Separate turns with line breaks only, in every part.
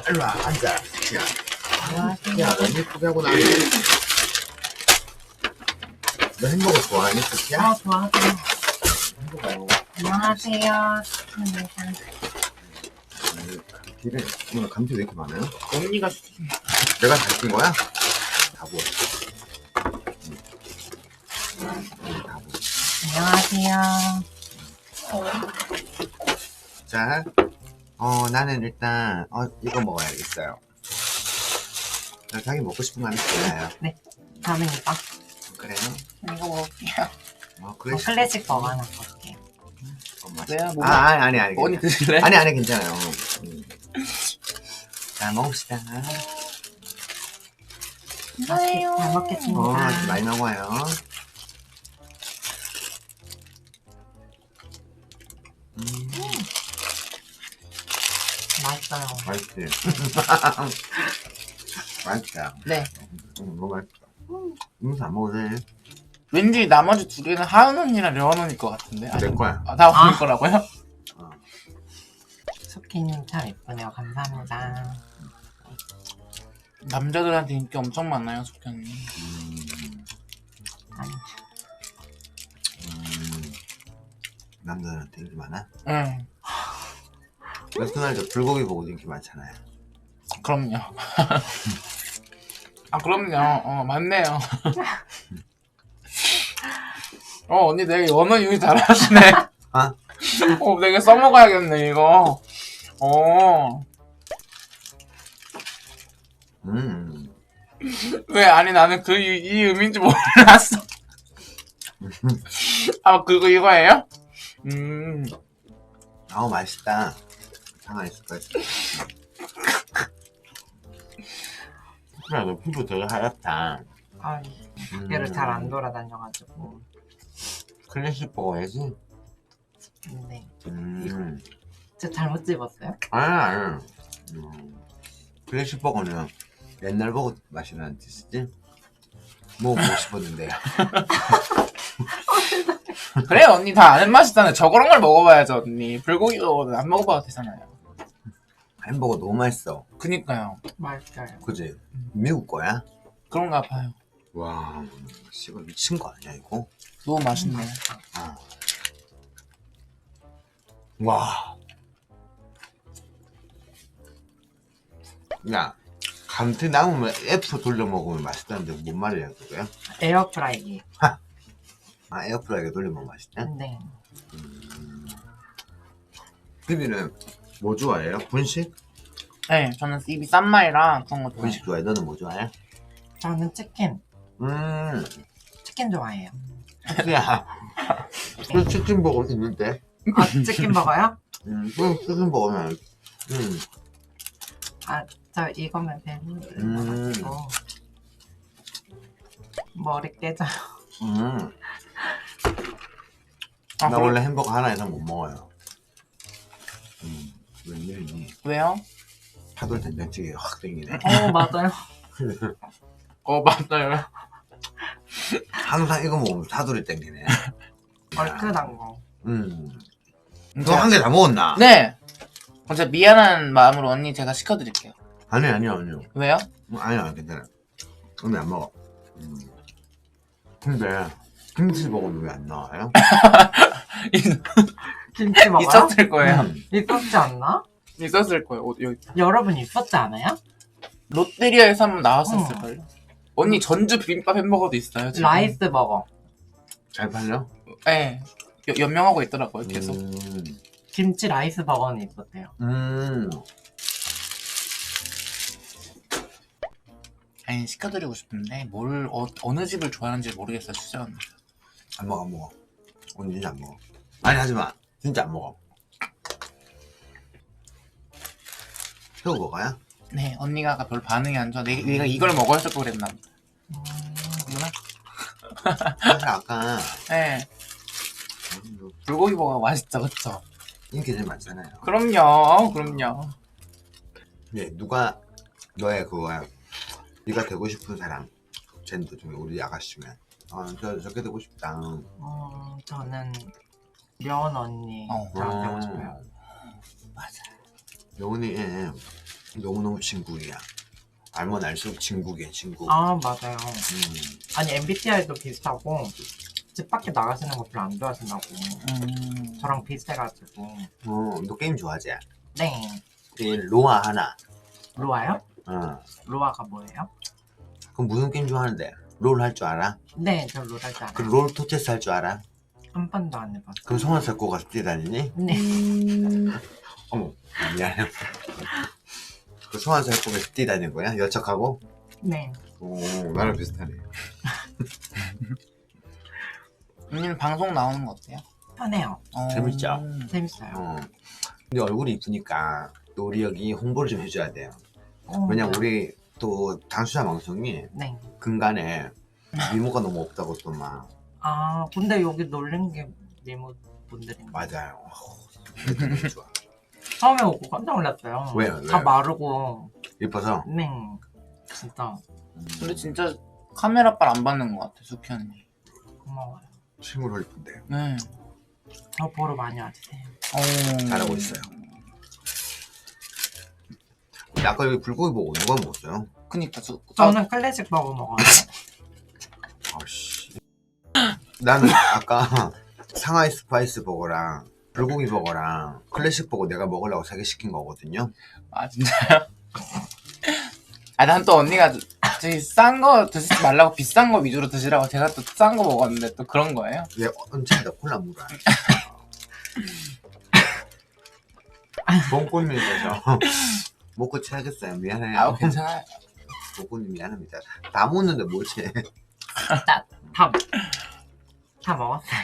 일로 와, 앉아. 야,
안녕하세요.
야, 너무 예쁘게 하고 나니. 너 햄버거 좋아하니, 쿠키야?
좋아하세요.
햄버거.
안녕하세요.
감튀를, 오늘 감튀 왜 이렇게 많아요?
언니가 시킨
내가 다 시킨 거야? 다 부어. 다 부어.
안녕하세요.
자, 나는 일단, 이거 먹어야겠어요. 자기 먹고 싶은 거 하나 골라요.
네, 다음입니다.
그래요?
이거 먹을게요.
클래식.
클래식 버거 하나 먹을게요.
왜요? 뭐
아니.
언니
괜찮아요.
드실래?
아니, 괜찮아요. 자, 먹읍시다.
잘 먹겠습니다.
많이 먹어요.
맛있어요.
맛있지? 맛있다.
네.
너무 맛있다. 안 먹어도 돼.
왠지 나머지 두 개는 하은 언니랑 려원 언니 것 같은데.
내 거야.
다 언니 거라고요?
수키님 참 예쁘네요. 감사합니다.
남자들한테 인기 엄청 많아요, 숙희 언니.
아니,
남자들한테 인기 많아?
응,
레스토랑에서 불고기 보고 인기 많잖아요.
그럼요. 그럼요. 맞네요. 언니 되게 언어 유희 잘하시네. 되게 써먹어야겠네, 이거. 왜? 아니, 나는 이 의미인지 몰랐어. 그거 이거예요?
맛있다. 상하이 스파이스. 그래, 너 피부 되게 하얗다.
얘를 잘 안 돌아다녀가지고.
클래식 먹어야지.
네. 저 잘못 집었어요?
아니. 클래식 버거는 옛날 버거 맛이 나는 뜻이지? 먹어보고 싶었는데요.
그래, 언니 다 아는 맛이잖아요. 저런 걸 먹어봐야죠, 언니. 불고기 버거는 안 먹어봐도 되잖아요.
햄버거 너무 맛있어.
그니까요.
맛있어요.
그지? 미국 거야?
그런가 봐요.
와, 씨발 미친 거 아니야 이거?
너무 맛있네.
와. 야, 감튀 남으면 F 돌려 먹으면 맛있다는데 뭔 말이야 그거야?
에어프라이기.
에어프라이기에 돌려 먹으면 맛있다?
네.
비비는 뭐 좋아해요? 분식?
네, 저는 입이 싼 마이랑 그런 거 좋아해요.
분식 좋아해? 너는 뭐 좋아해?
저는 치킨. 치킨 좋아해요.
야, 그 치킨 버거 있는데?
치킨 버거요?
치킨 버거는
저 이거면 배불러가지고 머리 깨져요.
나 원래 햄버거 하나 이상 못 먹어요. 웬일이니?
왜요?
파돌 된장찌개 확 땡기네.
맞아요.
맞아요.
항상 이거 먹으면 사돌이 땡기네.
얼큰한 거.
너 한 개 다 먹었나?
네. 진짜 미안한 마음으로 언니 제가 시켜드릴게요.
아니요.
왜요?
아니야, 괜찮아. 오늘 안 먹어. 근데 김치 먹으면 왜 안 나와요?
김치 먹어요?
있었을 거예요.
있었지 않나?
있었을 거예요. 여기.
여러분 있었지 않아요?
롯데리아에서 한번 나왔었을걸요. 언니 전주 비빔밥 햄버거도 있어요. 지금.
라이스 버거.
잘 팔려?
네. 연명하고 있더라고요. 계속.
김치 라이스 버거는 있었대요.
아니 시켜드리고 싶은데 어느 집을 좋아하는지 모르겠어요. 진짜.
안 먹어. 오늘 진짜 안 먹어. 아니 하지마. 진짜 안 먹어. 새우 먹어야?
네, 언니가 아까 별 반응이 안 좋아. 내가 이걸 먹어야 걸 그랬나?
사실 아까
네. 불고기 버거 맛있죠, 그쵸?
인기 제일 많잖아요.
그럼요.
예, 누가 너의 그거야? 네가 되고 싶은 사람 젠더 중에 우리 아가씨면 저렇게 되고 싶다.
저는 려원 언니 랑 되고 싶어요.
맞아. 여운이 너무너무 진국이야. 알면 알수록 진국이야, 진국.
아 맞아요.
음.
아니 MBTI도 비슷하고 집 밖에 나가시는 거 별로 안 좋아하신다고. 저랑 비슷해가지고.
너 게임 좋아하지?
네.
로아 하나.
로아요?
로아가
뭐예요?
그럼 무슨 게임 좋아하는데? 롤 할 줄 알아?
네, 저 롤 할 줄 알아요.
그럼 롤 토체스 할 줄 알아?
한 번도 안 해봤어요.
그럼 성원 잡고 가서 뛰다니니?
네.
어머, 미안해. 그 성원 잡고 가서 뛰다니는 거야? 여척하고?
네.
오, 나랑 비슷하네.
언니는 방송 나오는 거 어때요?
편해요.
재밌죠?
재밌어요.
근데 얼굴이 이쁘니까 또 우리 여기 홍보를 좀 해줘야 돼요. 왜냐면 우리 또 당수자 방송이
네.
근간에 미모가 너무 없다고 또 막.
아 근데 여기 놀란 게 미모 분들인데.
맞아요. 너무 좋아.
처음에 오고 깜짝 놀랐어요.
왜요?
다
왜요?
마르고.
예뻐서?
네. 진짜
근데 진짜 카메라빨 안 받는 것 같아, 수키 언니.
고마워요.
실물로 예쁜데요.
네.
저 보러 많이 와주세요.
잘하고 있어요. 근데 아까 여기 불고기 보고 누가 먹었어요?
그니까
저는 클래식 버거 먹어요.
아씨. 나는 아까 상하이 스파이스 버거랑 불고기 버거랑 클래식 버거 내가 먹으려고 3개 시킨 거거든요.
아 진짜요? 아 난 또 언니가 저기 싼 거 드시지 말라고 비싼 거 위주로 드시라고 제가 또 싼 거 먹었는데 또 그런 거예요?
왜 언제나 콜라 물어? 봉꽃님께서 먹고 취하겠어요. 미안해요.
아 괜찮아요.
봉꽃님 미안합니다. 다 먹는데 뭐지?
다 먹었어요.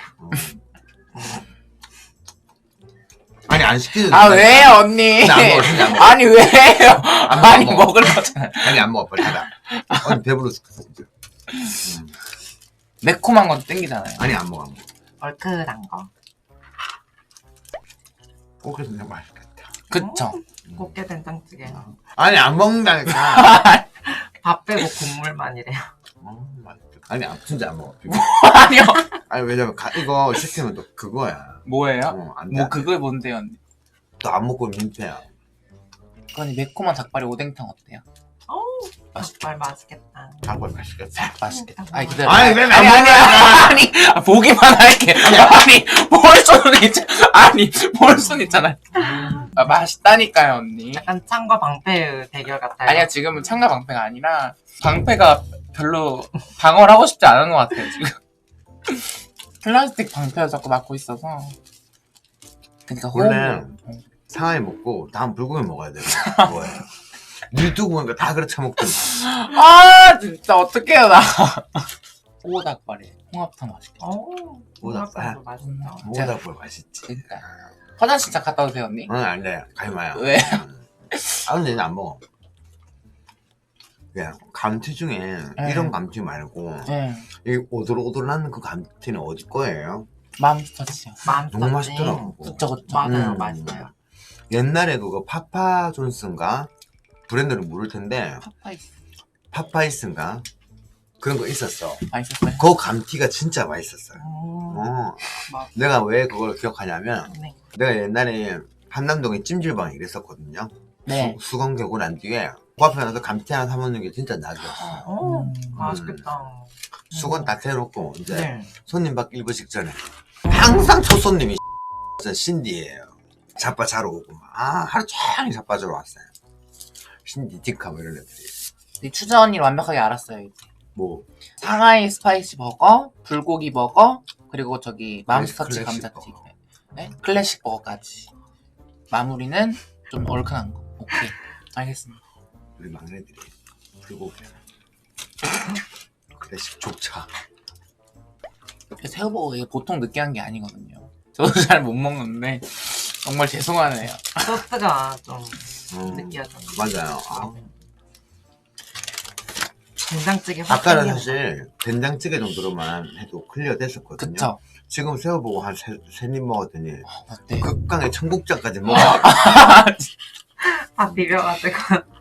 아니 안 시키는데.
아 왜요 언니?
안 먹어, 진짜 안 먹어.
아니 왜요? 아니
먹어.
먹을 거잖아요.
아니 안 먹어 빨리 닫아. 아니 배불러 죽겠어.
매콤한 건 땡기잖아요.
아니 안 먹어 안 먹어.
얼큰한 거.
꽃게 진짜 맛있겠다.
그쵸?
꽃게 된장찌개.
아니 안 먹는다니까.
밥 빼고 국물만이래요.
맛있겠다. 아니 진짜 안 먹어.
아니요.
아니 왜냐면 이거 시키면 또 그거야.
뭐예요?
안 돼.
뭐 그걸 뭔데요 언니?
또안 먹고 민폐야.
언니 매콤한 닭발에 오뎅탕 어때요?
어우, 닭발 맛있겠다.
닭발 맛있겠다.
맛있겠다. 아니 기다려.
아니, 왜
아니
안
아니 보기만 할게. 아니 볼 수는 있 아니 볼 수는 있잖아요. 아, 맛있다니까요 언니.
약간 창과 방패의 대결 같아요.
아니야 지금은 창과 방패가 아니라 방패가 별로 방어를 하고 싶지 않은 것 같아요 지금. 플라스틱 방패를 자꾸 맡고 있어서. 그러니까
원래 상하이 먹고 다음 불고기 먹어야 돼요. 뭐예요? 유튜브 보니까 다 그렇게 먹더니.
아 진짜 어떡해요 나. 오닭발에 홍합탕 맛있겠다.
오닭발?
오닭발도 맛있다.
오닭발 맛있지.
그러니까 화장실 잠깐 갔다 오세요 언니.
응, 안 돼. 가지 마요.
왜?
아, 근데 안 먹어. 그냥 감튀 중에 이런 감튀 말고
네.
이 오돌오돌한 그 감튀는 어디 거예요?
맘스터치요.
너무 맛있더라고.
그쵸 그쵸.
맞아요, 맛있어요.
옛날에 그거 파파존스인가? 브랜드를 모를 텐데
파파이스
파파이스인가? 그런 거 있었어.
맛있었어요?
그 감튀가 진짜 맛있었어요.
맞-
내가 왜 그걸 기억하냐면
네.
내가 옛날에 한남동에 찜질방에 일했었거든요.
네.
수건 개고 난 뒤에 그 앞에 나서 감튀 하나 사 먹는 게 진짜 낙이었어.
맛있겠다.
수건 딱 해놓고 이제
네.
손님 받기 1분 직전에 항상 첫 손님이 진짜 신디예요. 자빠 자러 오고 막. 하루 종일 자빠 자러 왔어요. 신디, 디카 뭐 이런 애들이.
이 추자 언니를 완벽하게 알았어요 이제.
뭐
상하이 스파이시 버거, 불고기 버거, 그리고 저기 맘스터치
클래식
감자튀김, 네? 클래식 버거까지. 마무리는 좀 얼큰한 거. 오케이, 알겠습니다.
우리 막내들이 불고기 클래식 족차.
새우버거 이게 보통 느끼한 게 아니거든요. 저도 잘 못 먹는데 정말 죄송하네요.
소스가 좀 느끼하죠.
맞아요.
된장찌개
아까는 사실 된장찌개 정도로만 해도 클리어 됐었거든요.
그쵸?
지금 새우보고 한 세 입 먹었더니
어때?
극강의 청국장까지 먹어.
다 비벼가지고